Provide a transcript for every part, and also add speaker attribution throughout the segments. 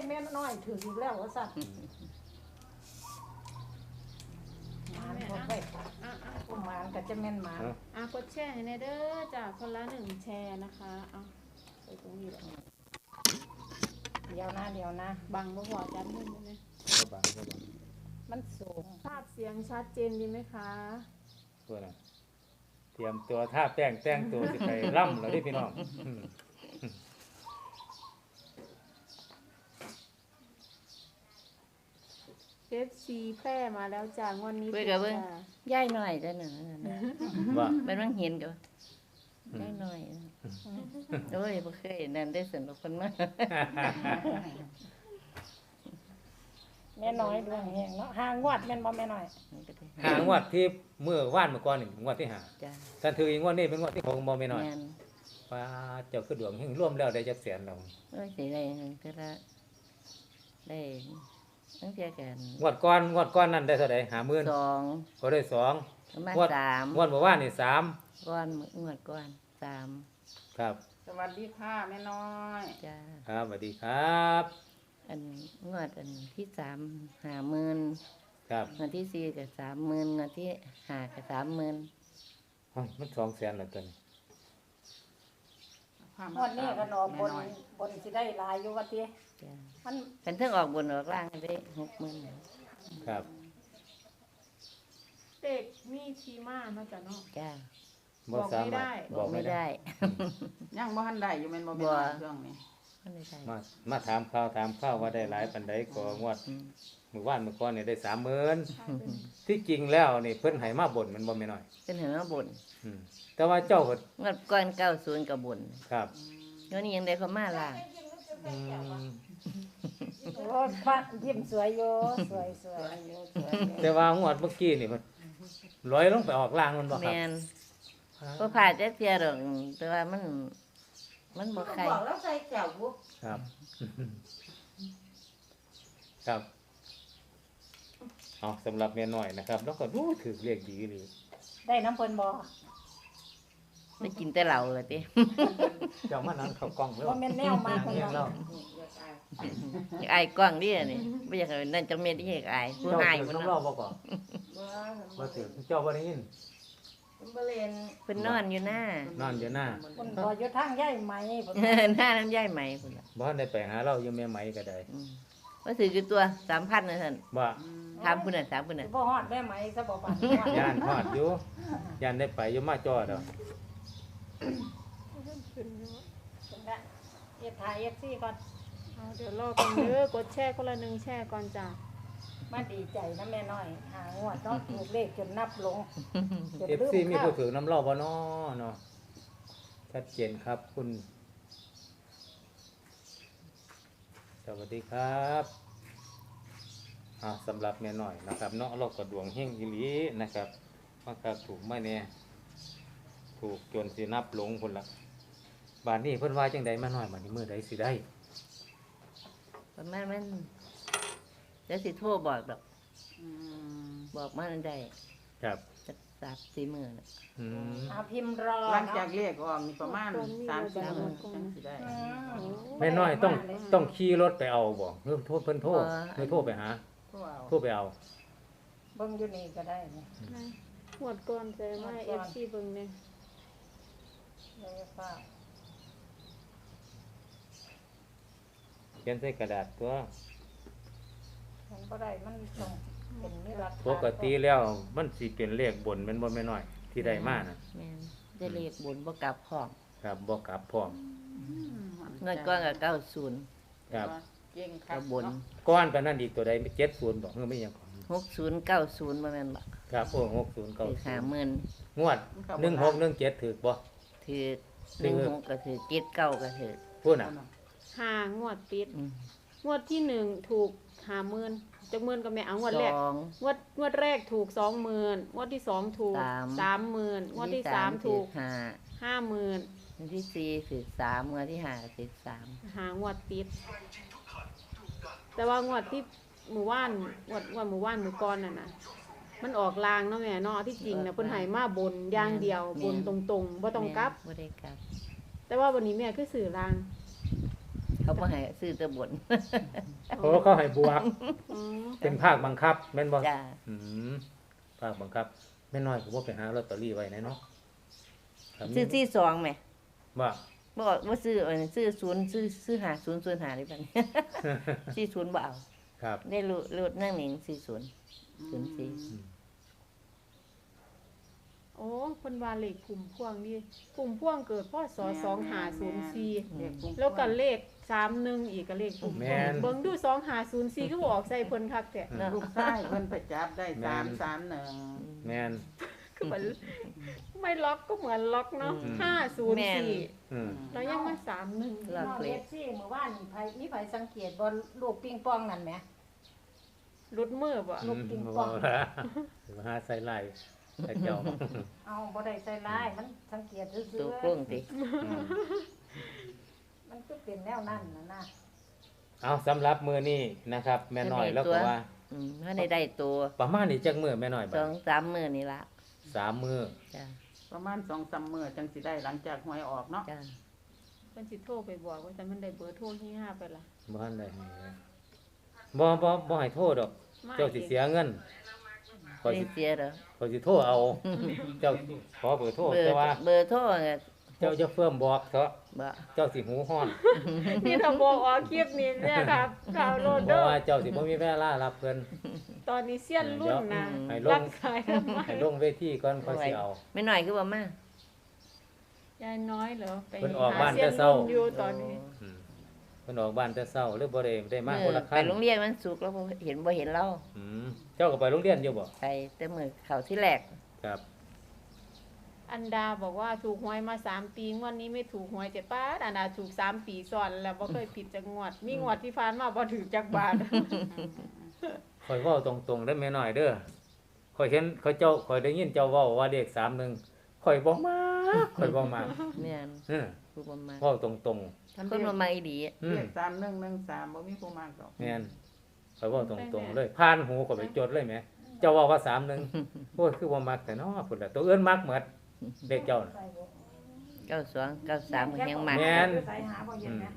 Speaker 1: แม่น้อยถืออีกแล้วว่าสั่นหมานพบไปผู้หมานก็จะแม่นหมาน
Speaker 2: กดแชร์ให้ในเด้อจ้ะคนละ1แชร์นะคะไปตรงนี้แหละ
Speaker 1: เดี๋ยวนะ
Speaker 2: บังบ่พอจัดขึ้นได้ไหม
Speaker 3: ก็บัง
Speaker 1: มันสูง
Speaker 2: ภาพเสียงชัดเจนดีไหมคะ
Speaker 3: ตัวน่ะเตรียมตัวท่าแต่งตัวสิไปร่ำแล้วดิพี่น้อง
Speaker 2: FC แพร่มาแล้วจ้างวันนี้
Speaker 4: ย่ายหน่อยจ้ะน่ะ
Speaker 3: ว่า
Speaker 4: มันต้องเห็นกับย่ายหน่อยโอ้ยบ่เคยนั่นได้สนุกคนมาก
Speaker 1: แม่น้อยดวงแหงเนาะหางวดแม่นบ่แม่น้อย
Speaker 3: หางวดที่เมื่อวานเมื่อก่อนนี่งวดที่5
Speaker 4: จ้ะ
Speaker 3: ท่านถืออีกงวดนี้เป็นงวดที่6บ่แม่น้อยว่าเจ้าคือดวงเฮงร่วมแล้วได้จักแสนแล้ว
Speaker 4: โอ้ยสิได้ก็ได้ตั้งแต่กัน
Speaker 3: งวดก่อนนั่นได้เท่าใด 50,000
Speaker 4: 2
Speaker 3: ก็ได้2
Speaker 4: ประมาณ3
Speaker 3: งวดเมื่อวานนี่3
Speaker 4: ก่อนงวดก่อน3
Speaker 3: ครับ
Speaker 1: สวัสดีค่ะแม่น้อย
Speaker 4: จ้ะ
Speaker 3: ครับสวัสดีครับ
Speaker 4: อันงวดอันที่3 50,000
Speaker 3: ครับ
Speaker 4: งวดที่4ก็30,000งวดที่5ก็30,000
Speaker 3: โอ้ยมัน200,000แล้วตัวนี้
Speaker 1: งวดนี้ก็นอบนสิได้หลายอยู่ว่าติ
Speaker 4: จ้ะ
Speaker 1: มัน
Speaker 4: เป็นเทิงออกบนออกล่างได้60,000
Speaker 3: ครับ
Speaker 2: เด็กมีชีมาเนาะจ้ะเนาะ
Speaker 4: จ้ะ
Speaker 3: บ่สามารถ
Speaker 4: บอกไม่ได้
Speaker 1: ยังบ่ทันได้อยู่แม่นบ่แม่เรื่องนี้
Speaker 3: มาถามข่าวว่าได้หลายปานใดก็งวดเมื่อวานเมื่อก่อนนี่ได้ 30,000ที่จริงแล้วนี่เพิ่นให้มาบ่นมันบ่แม่น้อย
Speaker 4: เป็นเห็นว่าบ่น
Speaker 3: แต่ว่าเจ้าก็
Speaker 4: งวดก่อน90ก็บ่น
Speaker 3: ครับ
Speaker 4: เดี๋ยวนี้ยังได้เข้ามาล่ะ
Speaker 1: โอ้ฟ้ายิ้มสวยอยู่สวยอยู่
Speaker 3: แต่ว่างวดเมื่อกี้นี่มันลอยลงไปออกล่างมันบ่ครับ
Speaker 4: แม่นบ่พลาดจักเที่ยดอกแต่ว่ามันบ่ใคร
Speaker 1: บอกแล้วใส่แก้วบ่
Speaker 3: ครับครับสำหรับแม่น้อยนะครับแล้วก็ถือเรียกดีหรือ
Speaker 1: ได้น้ำเพิ่นบ่
Speaker 4: ได้กินแต่เหล้าเลยติ
Speaker 3: เจ้ามานั่งเข้ากล้องแล้ว
Speaker 1: บ่แม่นแนวมาก
Speaker 3: เนาะ
Speaker 4: อยากอายกล้องดินี่บ่อยากให้นั่นจังเม็ดที่อยากอายผู้อาย
Speaker 3: เพิ่นน้ำบ่ก่อนบ่ถือเจ้าบ่ได้ยิน
Speaker 1: บ่เล่น
Speaker 4: เพิ่นนอนอยู่หน้า
Speaker 3: เพิ่น
Speaker 1: บ่อยู่ทางย้ายไหม
Speaker 4: เพิ่นหน้าน้ำย้ายไหมเพิ่น
Speaker 3: บ่ได้ไปหาเราอยู่แม่ไหมก็ได้
Speaker 4: ว่าถืออยู่ตัว 3,000 นะท่าน
Speaker 3: บ่
Speaker 4: ถามเพิ่นน่ะถามเพิ่นน่ะ
Speaker 1: บ่ฮอดแม่ไหมซะบ่ปาน
Speaker 3: ย่านฮอดอยู่ย่านได้ไปอยู่มาจอดอก
Speaker 1: เฮ็ดถ่าย FC ก่อน
Speaker 2: เดี๋ยวรอกันเด้อกดแชร์คนละ1แชร์ก่อนจ้ะ
Speaker 1: มาดีใจนะแม่น้อยหางวดเนาะถูกเลขจนนับลง
Speaker 3: FC มีผู้ถือน้ำเล่าบ่เนาะชัดเจนครับคุณสวัสดีครับสำหรับแม่น้อยนะครับเนาะเราก็ดวงเฮงอีหลีนะครับว่าก็ถูกมาแน่ถูกจนสินับลงพุ่นละบาดนี้เพิ่นว่าจังใดมาน้อยบัดนี้มื้อใดสิได้
Speaker 4: ประมาณมันจะสิโทรบอกดอกบอกมาอันใด
Speaker 3: ครับ
Speaker 4: จัก3-4 มื้อน่ะ
Speaker 1: พิมพ์รอ
Speaker 5: หลังจากเรียกออกมีประมาณ3-4 มื้อจังสิได้
Speaker 3: แม่น้อยต้องขี่รถไปเอาบ่เพิ่นโทรไปหาโทรไปเอา
Speaker 1: เบิ่งอยู่นี่ก็ได้นี่
Speaker 2: หมดก่อนใจมา FC เบิ่งเนี่ย
Speaker 3: เขียนใส่กระดาษตัว
Speaker 1: มันบ่ได้มันต้องเป็นนิรันดร์
Speaker 3: ปกติแล้วมันสิเป็นเลขบนแม่นบ่แม่น้อยที่ได้มาน่ะ
Speaker 4: แม่นได้เลขบนบ่กลับพร้อม
Speaker 3: ครับบ่กลับพร้อม
Speaker 4: เงินก้อนก็90
Speaker 3: ครับ
Speaker 5: เก่งครับ
Speaker 4: บน
Speaker 3: ก้อนปานนั้นอีกตัวใด70บ่คือไม่หยังก่อน
Speaker 4: 60 90บ่แม่นบ่
Speaker 3: ครับ60 90
Speaker 4: 50,000
Speaker 3: งวด1617ถูกบ่
Speaker 4: ถูก16ก็ถูก79ก็ถูก
Speaker 3: พูดน่ะ
Speaker 2: 5งวดติดงวดที่1ถูก50,000จักหมื่นก็แม่เอางวดแรกงวดแรกถูก 20,000งวดที่2ถูก 30,000งวดที่3ถูก50,000
Speaker 4: งวดที่4ถูก3งวดที่5ถูก3
Speaker 2: หางวดติดแต่ว่างวดที่หมู่บ้านงวดหมู่บ้านหมู่ก่อนน่ะนะมันออกลางเนาะแม่เนาะที่จริงน่ะเพิ่นให้มาบนอย่างเดียวบนตรงๆบ่ต้องกลับ
Speaker 4: บ่ได้กลับ
Speaker 2: แต่ว่าวันนี้แม่คือสื่อลาง
Speaker 4: เขเขาบ่ให้ซื้อแต่บน
Speaker 3: โอ้เขาให้บวก
Speaker 2: อ๋อ
Speaker 3: เป็นภาคบังคับแม่นบ่
Speaker 4: จ้า
Speaker 3: อืมภาคบังคับแม่น้อยก็บ่ไปหาลอตเตอรี่ไว้แน่เนาะครับ
Speaker 4: ซื้อที่สองแหม
Speaker 3: ว่า
Speaker 4: บ่ซื้อซื้อศูนย์ซื้อหาศูนย์หาได้ปานนี้ ซื้อศูนย์บ่เอา
Speaker 3: ครับ
Speaker 4: ได้รูดนั่งหนิงซื้อศูนย์04
Speaker 3: อืม
Speaker 2: โอ้เพิ่นว่าเลขกลุ่มพวงนี่กลุ่มพวงเกิดพศ2504แล้วก็เลข31อีกก็เลขกลุ่มพวงเบิ่งดู2504คือบ่ออกใส่เพิ่นคักแท้
Speaker 5: ลูกชายเพิ่นไปจับได้331
Speaker 3: แม่น
Speaker 2: คือเหมือนไม่ล็อกก็เหมือนล็อกเนาะ
Speaker 3: อืม
Speaker 2: 504
Speaker 3: อืม
Speaker 2: แล้วยังมา31
Speaker 1: พี่น้องเอฟซีเมื่อวานนี่มีไผสังเกตบ่ลูกปิงปองนั่นแหม
Speaker 2: รุดมือบ่
Speaker 1: ลูกปิงปอง
Speaker 3: บ่ว่ามาหาใส่ไล่แต่เจ้า
Speaker 1: เอาบ่ได้ใส่ร้ายมันสังเกตซื่
Speaker 4: ตัว
Speaker 1: อ
Speaker 4: โกล้งติ
Speaker 3: อืม
Speaker 1: ๆมันก็เป็นแนวนั้นนะ
Speaker 3: เอาสำหรับมื้อนี้นะครับ แม่น้อยแล้วก็ว่า
Speaker 4: ถ้าได้ตัว
Speaker 3: ประมาณนี้จักมื้อแม่น้อยบัด
Speaker 4: 2-3 มื้อนี่ละ
Speaker 3: 3มื้อ
Speaker 4: จ้า
Speaker 5: ประมาณ 2-3 มื้อจังสิได้หลังจากหวยออกเนาะ
Speaker 4: จ้า
Speaker 2: เพิ่นสิโทรไปบอกว่าแต่มันได้เบอร์โทรที่5ไปล่ะ
Speaker 3: บ่ทันได้ให้เลยบ่ให้โทษดอก
Speaker 2: มา
Speaker 3: เจ้าสิเสียเงินข้อย
Speaker 4: ได้
Speaker 3: สิ
Speaker 4: เสียเหรอ
Speaker 3: ข้อยสิโทรเอา เจ้าขอเบอร์โทรแต่ว่า
Speaker 4: เบอร์โทรเนี่ย
Speaker 3: เจ้าจะเฟิ่มบอกเถอะ
Speaker 4: บ่
Speaker 3: เจ้าสิหูฮ้อน
Speaker 2: นี่ถ้าบอกออกคลิปนี้เนี่ยครับข่าวโลด
Speaker 3: เพ
Speaker 2: เด้
Speaker 3: ราะ
Speaker 2: อ
Speaker 3: ว่าเจ้าสิบ่มีเวลารับเพิ่น
Speaker 2: ตอนนี้เสี้ยนรุ่นนะ
Speaker 3: ให้ล
Speaker 2: รั
Speaker 3: ง
Speaker 2: บสายทำไม
Speaker 3: ให้ลงเวทีก่อนค่อยสิเอา
Speaker 4: ไม่น้อยคือบ่มาย
Speaker 2: ายน้อยเหรอไป
Speaker 3: เพิ่นออกบ้าน
Speaker 2: หเสี้ย
Speaker 3: แต่เช้า
Speaker 2: รุ่นอยู่ตอนนี้
Speaker 3: อืมเพิ่นออกบ้านแต่เช้าหรือบ่ได้มาคนละคั
Speaker 4: ไป
Speaker 3: น
Speaker 4: โรงเรียนมันสุกร์แล้วบ่เห็นเรา
Speaker 3: อืมเจ้าก็ไปโรงเรียนอยู่บ่
Speaker 4: ไปแต่มื้อเข้าที่แรก
Speaker 3: ครับ
Speaker 2: อันดาบอกว่าถูกหวยมา3 ปีงวดนี้ไม่ถูกหวย7 บาทอันดาถูก3 ปีซ้อนแล้วบ่เคยผิดจักงวด มีงวดที่ผ่านมาบ่ถูกจักบาท
Speaker 3: ข่อยเว้าตรงๆเด้อแม่น้อยเด้อข่อยเห็นข่อยได้ยินเจ้าเว้าว่าเลข31ข่อยบ่มักข่อยบ่มัก
Speaker 4: แม่น
Speaker 3: เออ
Speaker 4: ผู้บ่มา
Speaker 3: เว้าตรง
Speaker 4: คนบ่มาอีหลี
Speaker 3: ๆอื
Speaker 5: เล
Speaker 3: ม
Speaker 5: ข3113บ่มีผู้มากดอก
Speaker 3: แม่นข่อยเว้าตรงๆเลยผ่านหูข่อยไปจดเลยแหมเจ้าเว้าว่า31โอ้ยคือบ่มักแต่เนาะพุ่นล่ะตัวอื่นมักหมดเลขเจ้าน่ะ
Speaker 4: 92 93ก็ยังมา
Speaker 3: แม่น
Speaker 1: ใส่หาบ่เย็นนะ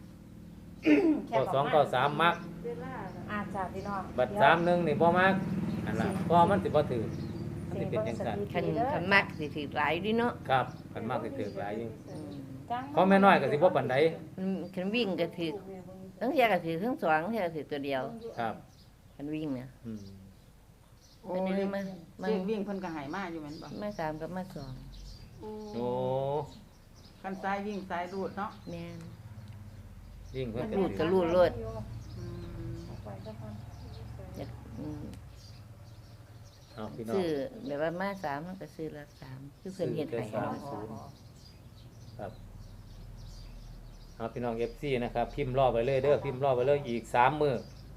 Speaker 3: 9293มัก
Speaker 2: เวลาน่ะ
Speaker 1: อาจารย์พี่น้อง
Speaker 3: บัด31นี่บ่มักอันล่ะเพราะมันสิบ่ถือมันสิเป็นจังซั่น
Speaker 4: คันมักสิถือหลายอยู่เนาะ
Speaker 3: ครับมันมักสิถือหลายอยู่
Speaker 4: อืม
Speaker 3: ของแม่น้อยก็สิบ่ปานใด
Speaker 4: คันวิ่งก็ถือทั้งเที่ยก็ถือทั้งสองเที่ยก็ถือตัวเดียว
Speaker 3: ครับ
Speaker 4: คันวิ่งเนี่ย
Speaker 3: อืม
Speaker 5: โอ้
Speaker 4: เป็น
Speaker 5: เล
Speaker 4: ยัง
Speaker 5: ข
Speaker 4: มา
Speaker 5: เลขวิ่งเพิ่นก็ให้มาอยู่แม่นบ่
Speaker 4: มา3กับมา2
Speaker 3: โอ้
Speaker 5: คันซ้ายวิ่งซ้ายรูดเนาะ
Speaker 4: แม่น
Speaker 3: ยิ่งเพิ่นก็
Speaker 4: รูด
Speaker 3: ถื
Speaker 4: ก็
Speaker 3: อ
Speaker 4: รูดโลด
Speaker 5: อืม
Speaker 4: อืม
Speaker 3: เอาพี่น้อง
Speaker 4: ซื้อแบบว่ามา3มันก็ซื้อละ3คือเพิ่นเฮ็ดให้
Speaker 3: ซื้อแต่ครับเอาพี่น้อง FC นะครับ พิมพ์รอไว้เลยเด้อพิมพ์รอไว้เลยอีก3มื้อ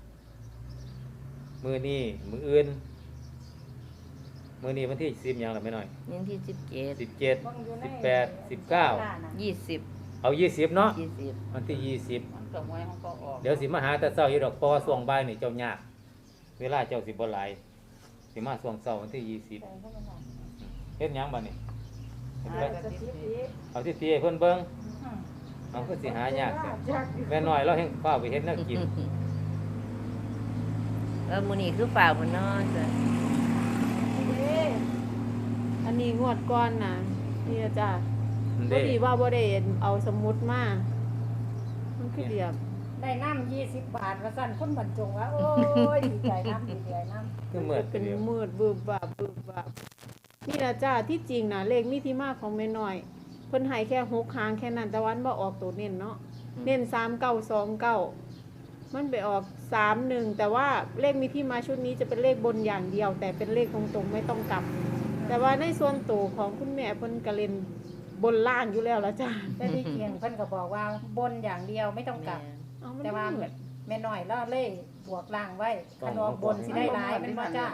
Speaker 3: มื้อนี้มื้ออื่นมื้อนี้วันที่10หยังล่ะแม่น้อย
Speaker 4: นี่ที่17
Speaker 3: 17 18 19
Speaker 4: 20
Speaker 3: เอา20เนาะ
Speaker 4: 20
Speaker 3: วันที่20
Speaker 5: มันก็หวยของก็ออก
Speaker 3: เดี๋ยวสิมาหาแต่เช้าอยู่ดอกเพราะว่าช่วงบ่ายนี่เจ้ายากเวลาเจ้าสิบ่หลายสิมาช่วงเช้าวันที่20เฮ็ดหยังบัดนี้เฮ็ดไปเอาที่ตีให้เพิ่นเบิ่งเอาคือสิหายากแต่แม่น้อยเราแห่งฟ้าวไปเฮ็ดแนวกิน
Speaker 4: แล้วมื้อนี้คือฝ่าวมันเนาะจ้ะ
Speaker 2: อันนี้งวดก่อนน่ะนี่ล่ะจ้ะ
Speaker 3: เด้
Speaker 2: บ่ดีว่าบ่ได้เอาสมุดมามันคือเดียบ
Speaker 1: ได้น้ำ20 บาทว่าสั่นคนบรรจงว่าโอ้ยดีใจน้ำดีใจน้ำ
Speaker 3: คือเหมือน
Speaker 2: เป็น
Speaker 3: เดียว
Speaker 2: มืดบึบบับบึบบับนี่ล่ะจ้าที่จริงน่ะเลขมีที่มาของแม่น้อยเพิ่นให้แค่6หางแค่นั้นแต่วันบ่ออกตัวเน้นเนาะเน้น3929มันไปออก31แต่ว่าเลขมีที่มาชุดนี้จะเป็นเลขบนอย่างเดียว แต่เป็นเลขตรงๆไม่ต้องกลับ แต่ว่าในส่วนตัวของคุณแม่เพิ่นก็เล่นบนล่างอยู่แล้วละจ้า
Speaker 1: แต่ที่เคียงเพิ่นก็บอกว่าบนอย่างเดียวไม่ต้องกลับ
Speaker 2: เอามัน
Speaker 1: แต่ว่า
Speaker 2: มืด
Speaker 1: แม่น้อยแล้วเล่บวกล่างไว้คันออกบนสิได้หลายเป็นบ่จ้า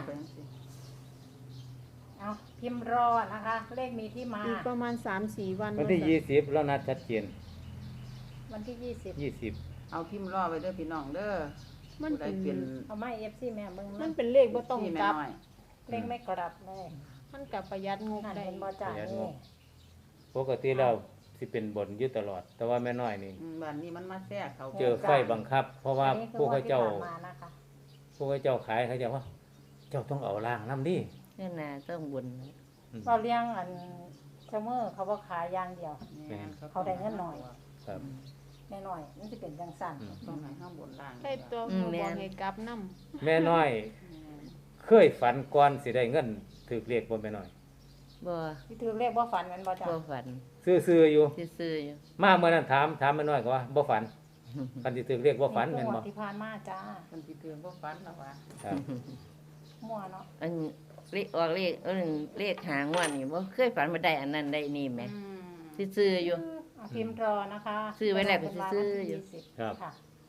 Speaker 1: เอาพิมพ์รอนะคะ เลขมีที่มา
Speaker 2: อีกประมาณ 3-4 วัน
Speaker 3: วันที่
Speaker 2: ว่าจะ
Speaker 3: 20แล้วนัดชัดเจน
Speaker 1: วันที่
Speaker 3: 20
Speaker 5: เอาพิมพ์รอไว้เด้อพี่น้องเด้อ
Speaker 2: มัน
Speaker 5: ผู้ใด
Speaker 2: เป็น
Speaker 5: เป็น
Speaker 1: 20เอาไม้ FC แม่เบิ่ง
Speaker 2: มั
Speaker 1: นะ
Speaker 2: นเป็นเลขบ่ต้อง
Speaker 5: ที่แม่
Speaker 2: กลับ
Speaker 5: น้อย
Speaker 1: เลขไม่กลับเลย
Speaker 2: มันกับประหยัดงบ
Speaker 1: นั่น
Speaker 2: ได้
Speaker 1: เป็นบ่จ้านี่
Speaker 3: ปกติแล้วสิเป็นบนอยู่ตลอด แต่ว่าแม่น้อยนี่
Speaker 5: บ้านนี้มันมาแทรกเขา
Speaker 3: เจอไฟบังคับ เพราะว่า
Speaker 1: อันนี้คือ
Speaker 3: พวกเขาเจ้า
Speaker 1: ที่ผ่นมานะคะ
Speaker 3: พวกเขาเจ้าขายเขาเจ้าว่า เจ้าต้องเอาล่างน้ำนี่
Speaker 4: นี่น่ะต้องบุญ
Speaker 1: เราเลี้ยงอันเชมเมอร์เขาบ่ขายอย่างเดียว เขาได้เงินหน่อย
Speaker 3: ครับ
Speaker 1: แน่หน่อยมันสิเป็นจังซั่น
Speaker 5: ต้องให้ข้างบนล่าง
Speaker 2: ได้ตัวหมู่บอกให้กลับนํ
Speaker 3: แม่น้อย เคยฝันก่อนสิได้เงินถือเลขบ่แม่น้อย
Speaker 4: บ่
Speaker 1: ที่ถือเลขบ่ฝันแม่นบ่จ้ะ
Speaker 4: บ่ฝัน
Speaker 3: ซื่อๆอยู่
Speaker 4: ซื่อๆอยู่
Speaker 3: มาเมื่อนั้นถามแม่น้อยก็ว่าบ่ฝันคันสิถือเลขบ่ฝันแม่นบ่
Speaker 1: ที่ผ่านมาจ้า
Speaker 5: มันสิเตือนบ่ฝันแล้วว่า
Speaker 3: ครับ
Speaker 1: มั่วเนาะ
Speaker 4: อันเลขออกเลขหางวดนี่บ่เคยฝันมาได้อันนั้นได้นี่แหมซื่อๆอยู่
Speaker 1: เอาพิมพ์รอนะคะ
Speaker 4: ซื้อไว้แล้วก็ซื้ออยู่
Speaker 3: ครับ
Speaker 1: ค่ะ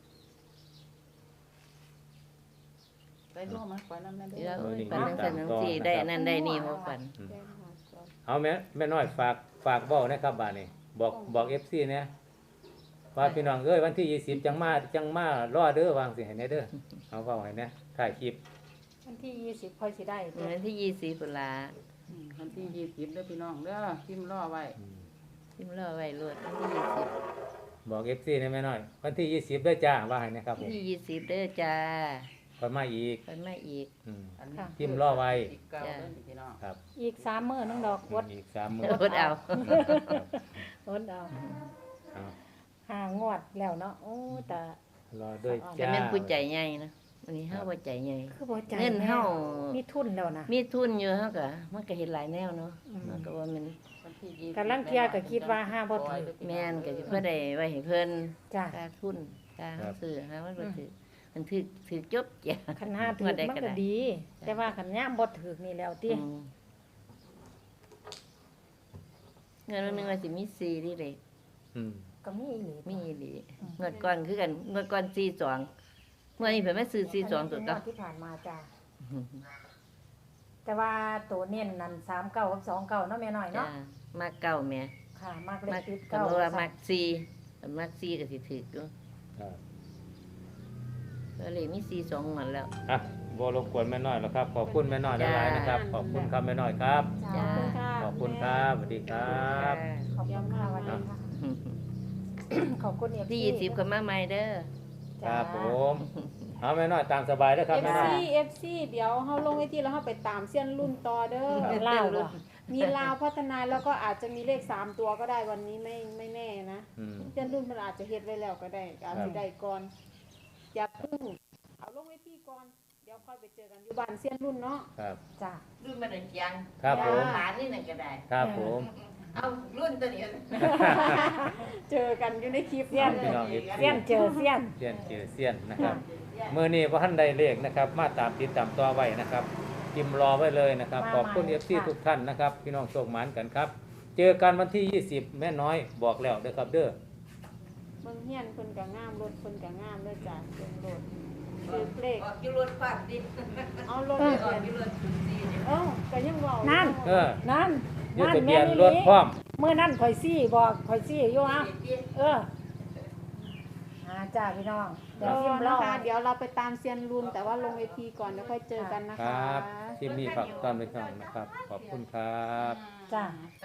Speaker 5: ได้ร่วมมันฝันนำได้
Speaker 4: เดี๋ยว
Speaker 5: เด้อ
Speaker 4: ฝันจังซั่นจังซี่ได้อันนั้นได้นี่บ่ฝัน
Speaker 3: เอาแม่น้อยฝากเว้านะครับบาดนี้บอก FC เนี่ยว่าพี่น้องเอ้ยวันที่20จังมารอเด้อวางสิให้แน่เด้อเอาเว้าให้แน่ถ่ายคลิป
Speaker 1: วันที่20ค่อยสิได้ตัว
Speaker 4: วันที่20พุ่นล่ะ
Speaker 5: วันที่20เด้อพี่น้องเด้อพิมพ์รอไว้
Speaker 4: ทิมรอไว้โลดวันที่
Speaker 3: บอก FC นะแม่น้อย วันที่20เด้อจ้าว่าให้นะครับ
Speaker 4: 20
Speaker 3: ผ
Speaker 4: วัน
Speaker 3: ม
Speaker 4: ที่20เด้อจ้า
Speaker 3: ค่อยมาอีก
Speaker 4: ไปมาอีก
Speaker 3: อืม
Speaker 5: อันนี้
Speaker 3: พิมพ์รอไว้
Speaker 5: เก้าเด้อพี่น้อง
Speaker 3: ครับ
Speaker 1: อีก3มื้อนึงดอกวด
Speaker 3: อีก3มื้อ
Speaker 4: อดเอา
Speaker 1: วดเอา
Speaker 3: เอา
Speaker 1: หางวดแล้วเนาะโอ้แต่
Speaker 3: รอด้วย
Speaker 4: แต่
Speaker 3: จ้า
Speaker 4: แม่นผู้ใจใหญ่นะวันนี้เฮาบ่ใจใหญ่
Speaker 1: คือบ่ใจ
Speaker 4: เงินเฮา
Speaker 1: มีทุนแล้วนะ
Speaker 4: มีทุนอยู่เฮาก็มันก็เฮ็ดหลายแนวเนาะ
Speaker 1: อืม
Speaker 4: มันก็ว่ามัน
Speaker 5: วันที่20
Speaker 1: กำลังเที่ยก็คิดว่าห้าบ่ถือ
Speaker 4: แม่นก็สิเพื่อได้ไว้ให้เพิ่น
Speaker 1: จ้ะ
Speaker 4: ค่าทุนค่าเฮาซื้อหามันบ่ถือมันถือจบจ้ะ
Speaker 1: คันห้าถือ
Speaker 4: ว่าได้
Speaker 1: มัน
Speaker 4: ก็
Speaker 1: ก็
Speaker 4: ได้
Speaker 1: ดี แต่ว่าคันย่ามบ่ถือนี่แล้วติ
Speaker 4: อืมเงินวันหนึงว่าสิมี4นี่เด้
Speaker 3: อืม
Speaker 1: ก็มีอีหลี
Speaker 4: มีอีหลีเงินก่อนคือกันเงินก่อน42เมื่อนี้เพิ่นมาซื้อ42ตัว
Speaker 1: อัน
Speaker 4: ก็
Speaker 1: นี้เป็นงวดที่ผ่านมาจ้ะแต่ว่าตัวเน้นนั่น39กับ29เนาะแม่น้อย
Speaker 4: จ้ะ
Speaker 1: เนาะ
Speaker 4: มาเก่าแม่
Speaker 1: ค่ะมากเล
Speaker 4: มั
Speaker 1: ข
Speaker 4: ก
Speaker 1: ติด
Speaker 4: ก็
Speaker 1: เก้า
Speaker 4: บอกว่ามัก4คันมัก4ก็สิถูกอยู่
Speaker 3: ครับ
Speaker 4: ก็เลยมี42หมดแล้ว
Speaker 3: อ่ะบ่รบกวนแม่น้อยแล้วครับ ขอบคุณแม่น้อยหลายๆนะครับ ขอบคุณครับแม่น้อยครับ
Speaker 1: จ้า
Speaker 4: จ้า
Speaker 3: ขอบคุณครับสวัสดีครับ
Speaker 1: ขอบคุณค่ะวันนี้ค่ะขอบคุณเอฟ
Speaker 4: ที่20ก็มาใหม่เด้อ
Speaker 3: ครับผมเอาแม่น้อยตามสบายเด้อครับแม่น้อย
Speaker 2: FC เดี๋ยวเฮาลงไว้ที่แล้วเฮาไปตามเส้นรุ่นต่อเด้อ
Speaker 1: เป็นเล่าบ่
Speaker 2: มีลาวพัฒนาแล้วก็อาจจะมีเลข3ตัวก็ได้วันนี้ไม่แน่นะ
Speaker 3: อืม
Speaker 2: เส้นรุ่นมันอาจจะเฮ็ดไว้แล้วก็ได้อาจจะได้ก่อนอย่าเพิ่งเอาลงไว้ที่ก่อนเดี๋ยวค่อยไปเจอกันอยู่บ้านเส้นรุ่นเนาะ
Speaker 3: ครับ
Speaker 1: จ้า
Speaker 4: รุ่นมันยัง
Speaker 3: ครับผม
Speaker 4: หลานนี่นั่นก็ได้
Speaker 3: ครับผม
Speaker 4: เอารุ่นตัวนี้
Speaker 2: เจอกันอยู่ในคลิป
Speaker 1: เสี้ยน
Speaker 3: พี่น้อง
Speaker 1: เสี้ยนเจอเสี้ยน
Speaker 3: เสี้ยนเจอเสี้ยนนะครับมื้อนี้บ่ทันได้เลขนะครับ มาตามติดตามต่อไว้นะครับพิมพ์รอไว้เลยนะครับ ขอบคุณ FC ทุกท่านนะครับ พี่น้องโชคหมานกันครับ เจอกันวันที่ 20 แม่น้อยบอกแล้วเด้อครับเด้อ
Speaker 2: เบิ่งเฮียนเพิ่นก็งามรถเพิ่นก็งามเด้อจ้ะเบิ่งรถคือเลข
Speaker 4: ออกอยู่รถฝากดิ
Speaker 2: เอารถ
Speaker 4: อ
Speaker 2: ไป
Speaker 4: อก
Speaker 2: เปลี่ยน
Speaker 4: อยู่รถสุดสีเนี่ย
Speaker 2: เอ้าก็ยังเว้า
Speaker 1: นั่น
Speaker 3: เออ
Speaker 1: นั่น
Speaker 3: ยึดทะเบียนรถพร้อม
Speaker 1: เมื่อนั่นข่อยซี่บอกข่อยซี่อยู่อ่ะเออจ้าพี่น้องเดี๋ยวพิมพ์ร
Speaker 2: นะ
Speaker 1: อ
Speaker 2: คะเดี๋ยวเราไปตามเซียนรุ่นแต่ว่าลงเวทีก่อนแล้วค่อยเจอกันนะ
Speaker 3: ค
Speaker 2: คะ
Speaker 3: รับทีมนี้ฝากต้อนไปก่อนนะครับ ขอบคุณครับ
Speaker 1: จ้า